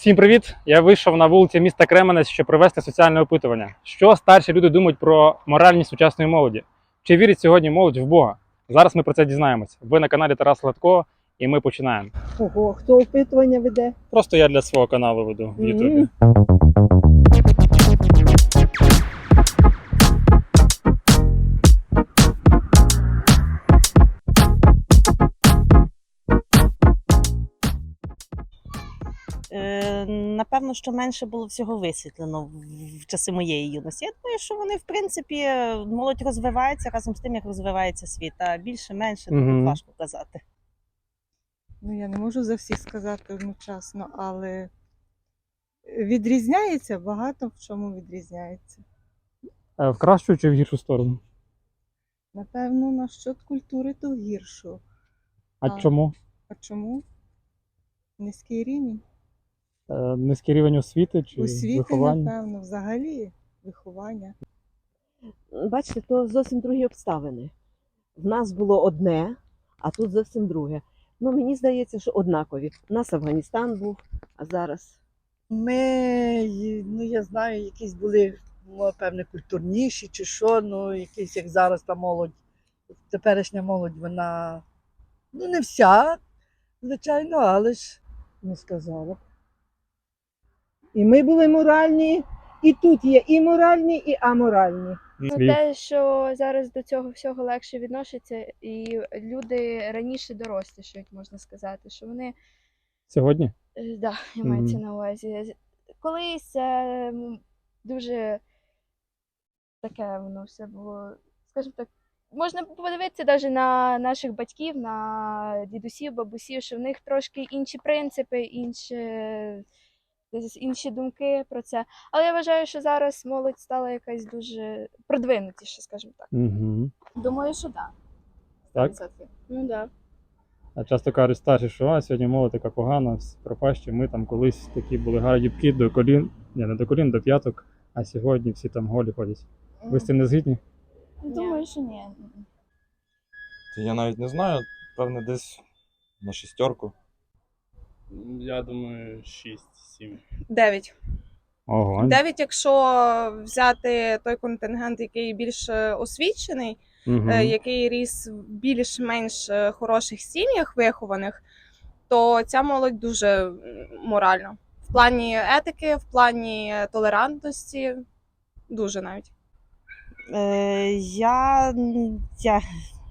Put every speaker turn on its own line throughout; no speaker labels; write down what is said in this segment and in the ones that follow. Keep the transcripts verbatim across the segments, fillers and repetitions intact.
Всім привіт! Я вийшов на вулиці міста Кременець, щоб провести соціальне опитування. Що старші люди думають про моральність сучасної молоді? Чи вірить сьогодні молодь в Бога? Зараз ми про це дізнаємося. Ви на каналі Тарас Латко, і ми починаємо.
Ого, хто опитування веде?
Просто я для свого каналу веду в Ютубі.
Е, Напевно, що менше було всього висвітлено в- в часи моєї юності. Я думаю, що вони, в принципі, молодь розвивається разом з тим, як розвивається світ, а більше-менше
Мгм.
тут важко казати.
Ну, я не можу за всіх сказати одночасно, але відрізняється, багато в чому відрізняється.
Е, В кращу чи в гіршу сторону?
Напевно, на щодо культури, то гіршу.
А
А.
чому?
А чому? Низький рівень.
Е, Низький рівень освіти чи
Освіти,
виховання?
напевно, взагалі виховання.
Бачите, то зовсім другі обставини. В нас було одне, а тут зовсім друге. Ну, мені здається, що однакові. У нас Афганістан був, а зараз.
Ми, ну я знаю, якісь були, ну, певне, культурніші чи що, ну якісь, як зараз та молодь, теперішня молодь, вона, ну не вся, звичайно, але ж
Не сказала б. І ми були моральні, і тут є і моральні, і аморальні.
Ну,
Слів.
те, що зараз до цього всього легше відносяться, і люди раніше дорослішають, можна сказати, що вони,
Сьогодні?
е, да, і мається
Мгм.
на увазі. Колись це м, дуже таке воно все було, скажімо так, можна подивитися навіть на наших батьків, на дідусів, бабусів, що в них трошки інші принципи, інші, десь інші думки про це. Але я вважаю, що зараз молодь стала якась дуже продвинутіша, скажімо так.
Угу.
Думаю, що так.
Так?
Ну так.
А часто кажуть старші, що а, сьогодні молодь така погана, всі пропащі. Ми там колись такі були гарні до колін, ні, не до колін, до п'яток, а сьогодні всі там голі ходять. Ви з цим не згідні?
Думаю, що ні.
Та я навіть не знаю, певне, десь на шістерку.
Я думаю, шість-сім.
Дев'ять.
Ого.
Дев'ять, якщо взяти той контингент, який більш е, освічений,
Угу.
е, який ріс в більш-менш е, хороших сім'ях вихованих, то ця молодь дуже м, моральна. В плані етики, в плані толерантності, дуже навіть.
Е, Я, я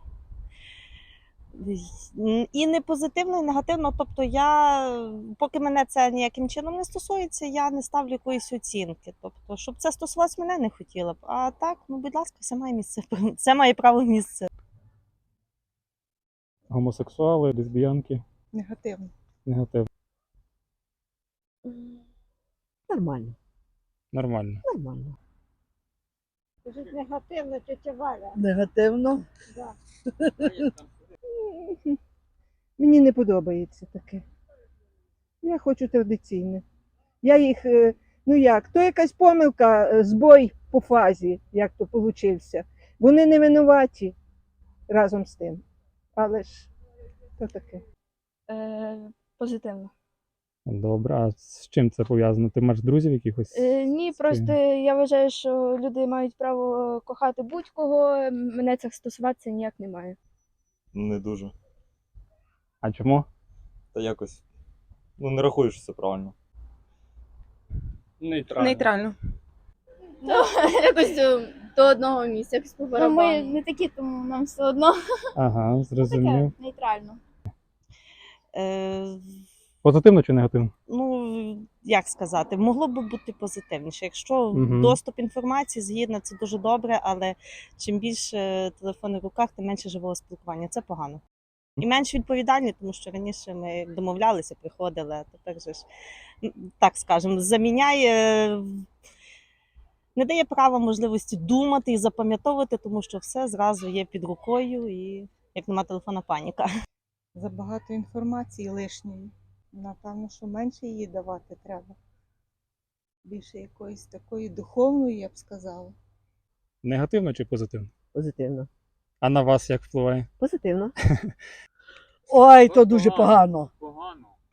і не позитивно, і негативно. Тобто я, поки мене це ніяким чином не стосується, я не ставлю якоїсь оцінки. Тобто, щоб це стосувалось мене, не хотіла б. А так, ну будь ласка, все має місце. Це має право місце.
Гомосексуали, лесбіянки,
Негативно.
негатив.
Нормально,
Нормально.
нормально.
Негативно, тетя Валя.
негативно.
Мені не подобається таке. Я хочу традиційне. Я їх, е, ну як, то якась помилка, е, збой по фазі, як то получився. Вони не винуваті разом з тим. Але ж то таке.
Е, позитивно.
Добре, а з чим це пов'язано? Ти маєш друзів якихось?
Е, ні,
з
просто
ким?
я вважаю, що люди мають право кохати будь-кого. Мене це стосуватися ніяк не має.
Не дуже.
А чому?
Та якось. Ну, не рахую, що це правильно.
Нейтрально.
Нейтрально.
Якось до, до одного місця, якось по
Ну,
барабану.
ми не такі, тому нам все одно.
Ага, зрозумів.
Нейтрально.
Е,
Позитивно чи негативно?
Ну, як сказати, могло б бути позитивніше. Якщо
Мгм.
доступ інформації згідно, це дуже добре, але чим більше телефонів в руках, тим менше живого спілкування. Це погано. І менш відповідальні, тому що раніше ми домовлялися, приходили, а тепер же ж, м, так скажемо, заміняє, не дає права можливості думати і запам'ятовувати, тому що все зразу є під рукою і як нема телефона, паніка.
Забагато інформації лишньої. Напевно, що менше її давати треба. Більше якоїсь такої духовної, я б сказала.
Негативно чи позитивно?
Позитивно.
А на вас як впливає?
Позитивно.
Ой, то дуже погано.
Погано.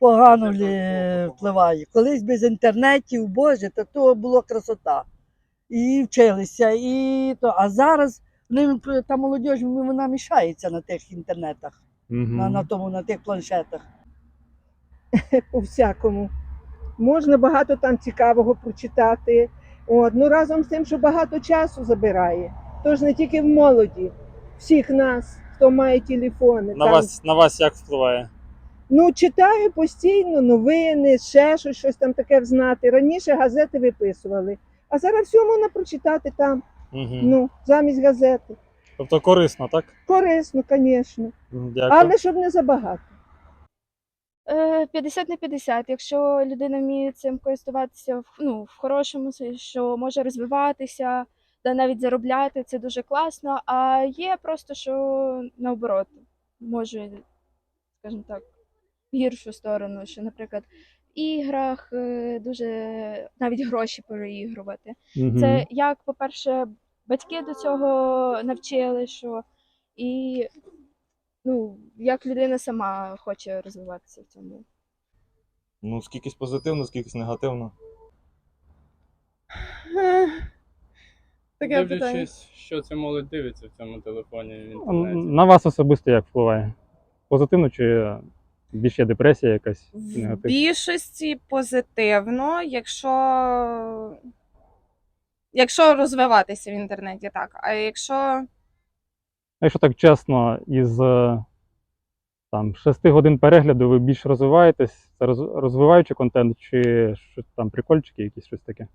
погано лі- впливає. Колись без інтернетів, боже, то, то була красота. І вчилися, і то. А зараз вони, та молодь, вона мішається на тих інтернетах, на, на, тому, на тих планшетах.
По-всякому. Можна багато там цікавого прочитати. От. Ну, разом з тим, що багато часу забирає. Тож не тільки в молоді, всіх нас, хто має телефони.
На
там.
вас, на вас як впливає?
Ну, читаю постійно новини, ще щось, щось там таке взнати. Раніше газети виписували, а зараз все можна прочитати там,
Угу.
ну, замість газети.
Тобто корисно, так?
Корисно, звісно.
Дякую.
Але щоб не забагато.
Е, п'ятдесят на п'ятдесят. Якщо людина вміє цим користуватися в, ну, в хорошому, сенсі, що може розвиватися, та навіть заробляти, це дуже класно. А є просто, що наоборот, може, скажімо так, в гіршу сторону, що, наприклад, в іграх е, дуже навіть гроші переігрувати.
Мгм.
Це як, по-перше, батьки до цього навчили, що і ну, як людина сама хоче розвиватися в цьому.
Ну, скількись позитивно, скількись негативно.
Таке питання.
Дивлячись, що ця молодь дивиться в цьому телефоні в
А
інтернеті.
На вас особисто як впливає? Позитивно чи більше є депресія якась?
В
Негатив?
більшості позитивно, якщо, якщо розвиватися в інтернеті, так. А якщо
А якщо так чесно, із е, там, шести годин перегляду ви більш розвиваєтесь, це роз- розвиваючий контент, чи щось там прикольчики, якісь щось таке?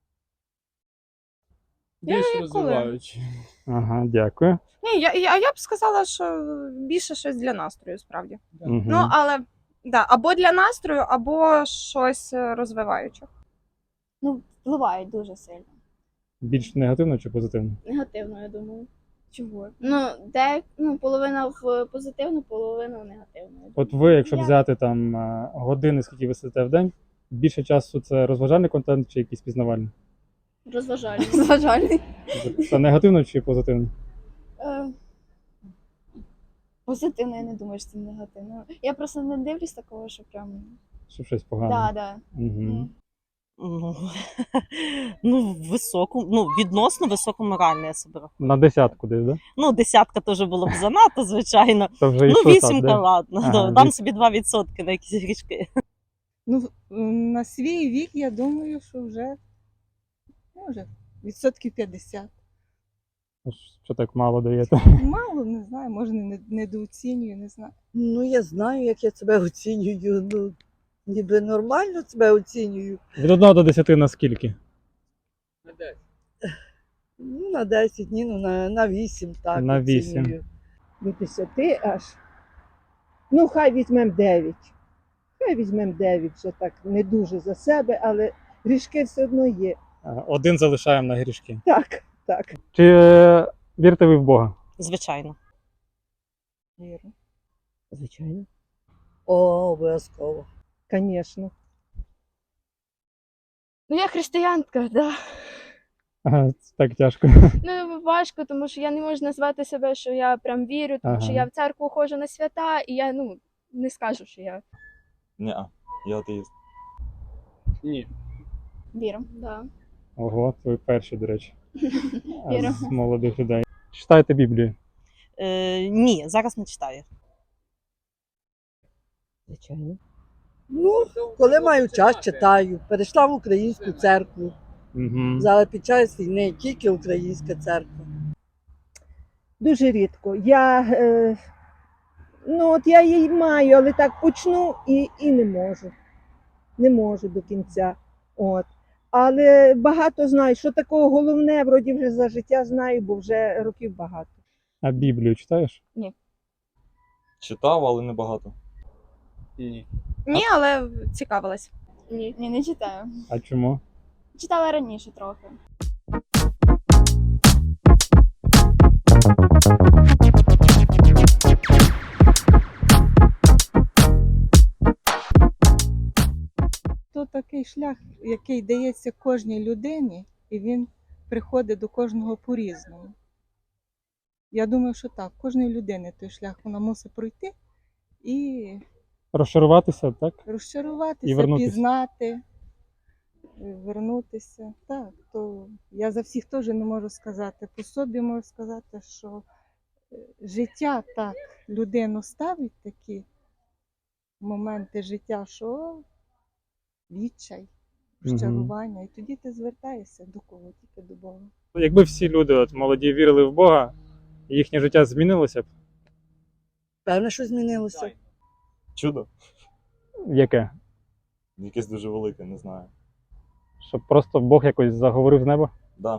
Більш
коли?
розвиваючи.
Ага, дякую.
ні, я, я, я б сказала, що більше щось для настрою, справді.
Мгм.
Ну, але да, або для настрою, або щось е, розвиваюче.
Ну, впливають дуже сильно.
Більш негативно чи позитивно?
Негативно, я думаю. Чого? Ну, де ну, половина в позитивну, половина в негативну. я
От
думаю.
ви, якщо
Я-
взяти там е, години, скільки ви сидите в день, більше часу це розважальний контент чи якийсь пізнавальний?
Розважальний. Розважальний.
Це негативно чи позитивно?
Е, Позитивно, я не думаю, що це негативно. Я просто не дивлюсь такого, що прям.
Щоб щось погане?
Да, да.
Угу.
М.
Ну, ну, високу, ну, відносно високоморальне я себе рахую.
На десятку десь, да?
Ну, десятка теж було б занадто, звичайно.
То вже
Ну,
йшло так,
вісімка,
да?
ладно.
Ага,
да, Дам
віс-
собі два відсотки на якісь грішки.
Ну, на свій вік, я думаю, що вже, може, відсотків п'ятдесят.
Що так мало даєте?
Мало, не знаю, може, не, недооцінюю, не знаю.
Ну, я знаю, як я себе оцінюю. Ну, ніби нормально себе оцінюю.
Від одного до десяти на скільки?
Ну, на десять, ні, ну на, на вісім, так.
На вісім.
оцінюю.
Від десяти аж. Ну, хай візьмемо дев'ять. Хай візьмемо дев'ять, вже так не дуже за себе, але грішки все одно є.
А, Один залишаємо на грішки.
Так, так.
Чи е, вірите ви в Бога?
Звичайно.
Вірю.
Звичайно.
О, обов'язково.
Звісно.
Ну, я християнка, да.
Ага, це так тяжко.
Ну, важко, тому що я не можу назвати себе, що я прям вірю, тому
Ага.
що я в церкву ходжу на свята, і я ну не скажу, що я
Ні, я атеїст.
Ні.
Вірю.
да.
Ого, ви перші, до речі. А
Вірю.
з молодих людей. Читаєте Біблію?
Е, ні, зараз не читаю.
Звичайно.
Ну, коли маю час, читаю. Перейшла в українську церкву.
Угу.
Зараз під час війни тільки українська церква.
Дуже рідко. Я, е, ну, от я її маю, але так почну і, і не можу. Не можу до кінця. От. Але багато знаю, що такого головне, вроді вже за життя знаю, бо вже років багато.
А Біблію читаєш?
Читав, але не багато.
Ні, але цікавилась.
Ні. Ні, не читаю.
А чому?
Читала раніше трохи.
То такий шлях, який дається кожній людині, і він приходить до кожного по-різному. Я думаю, що так, кожної людини той шлях вона мусить пройти і
Розчаруватися, так? І
Розчаруватися,
вернутися.
пізнати, е, вернутися. Так, то я за всіх теж не можу сказати. По собі можу сказати, що е, життя так людину ставить такі моменти життя, що відчай,
Мгм.
розчарування. І тоді ти звертаєшся до кого? Тільки до Бога.
Якби всі люди от, молоді вірили в Бога, їхнє життя змінилося б.
Певне, що змінилося.
Чудо.
Яке?
Якесь дуже велике, не знаю.
Щоб просто Бог якось заговорив з неба?
Да.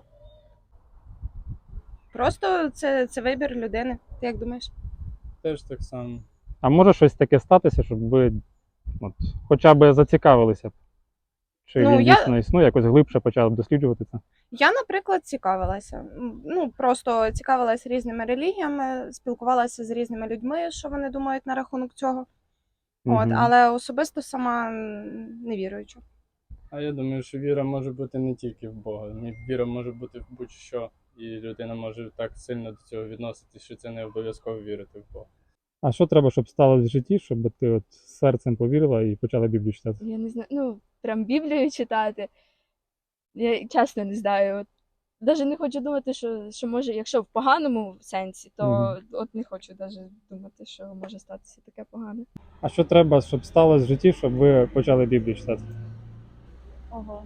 Просто це, це вибір людини. Ти як думаєш?
Теж так само.
А може щось таке статися, щоб ви от, хоча б зацікавилися б? Чи
Ну,
він
я-
дійсно існує, якось глибше почали б досліджувати це?
Я, наприклад, цікавилася. М, Ну, просто цікавилася різними релігіями, спілкувалася з різними людьми, що вони думають на рахунок цього. От,
Мгм.
але особисто сама м, не віруюча.
А я думаю, що віра може бути не тільки в Бога. Мі- Віра може бути в будь-що. І людина може так сильно до цього відноситись, що це не обов'язково вірити в Бога.
А що треба, щоб сталося в житті, щоб ти от серцем повірила і почала Біблію читати?
Я не знаю, ну, прям Біблію читати. Я чесно не знаю. От, навіть не хочу думати, що, що може, якщо в поганому сенсі, то
Мгм.
от не хочу навіть думати, що може статися таке погане.
А що треба, щоб сталося в житті, щоб ви почали Біблію читати?
Ого.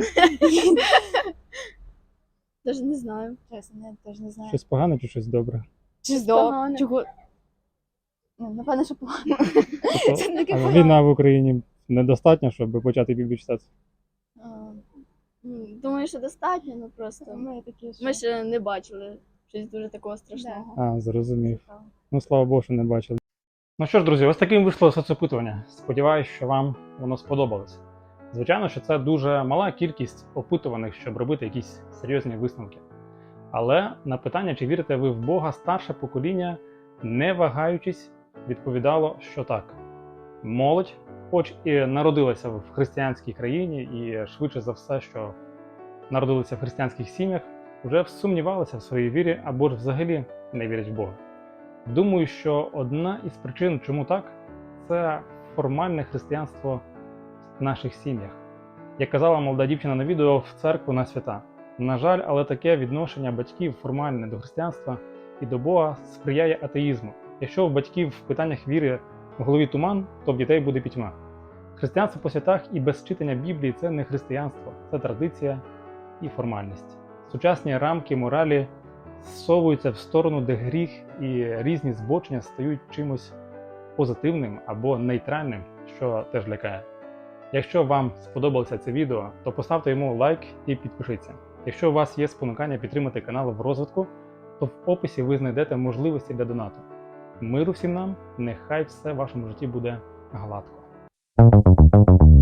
Даже не знаю. Чесно, я теж не знаю.
Щось погане чи щось добре?
Щось
погане.
Чого? Ну, напевно, що погано.
Тобто,
Це таке
а
погано.
війна в Україні недостатньо, щоб почати Біблію читати?
А, м, Думаю, що достатньо, ну просто. Ми такі, що... Ми ще не бачили щось дуже такого страшного.
А, зрозумів. Ну, слава Богу, що не бачили. Ну що ж, друзі, ось таким вийшло соцопитування. Сподіваюсь, що вам воно сподобалось. Звичайно, що це дуже мала кількість опитуваних, щоб робити якісь серйозні висновки. Але на питання, чи вірите ви в Бога, старше покоління, не вагаючись, відповідало, що так. Молодь, хоч і народилася в християнській країні, і швидше за все, що народилися в християнських сім'ях, вже сумнівалися в своїй вірі або ж взагалі не вірять в Бога. Думаю, що одна із причин, чому так, це формальне християнство в наших сім'ях. Як казала молода дівчина на відео, в церкву на свята. На жаль, але таке відношення батьків формальне до християнства і до Бога сприяє атеїзму. Якщо у батьків в питаннях віри в голові туман, то в дітей буде пітьма. Християнство по святах і без читання Біблії – це не християнство, це традиція і формальність. Сучасні рамки моралі зсовуються в сторону, де гріх і різні збочення стають чимось позитивним або нейтральним, що теж лякає. Якщо вам сподобалося це відео, то поставте йому лайк і підпишіться. Якщо у вас є спонукання підтримати канал в розвитку, то в описі ви знайдете можливості для донату. Миру всім нам, нехай все в вашому житті буде гладко.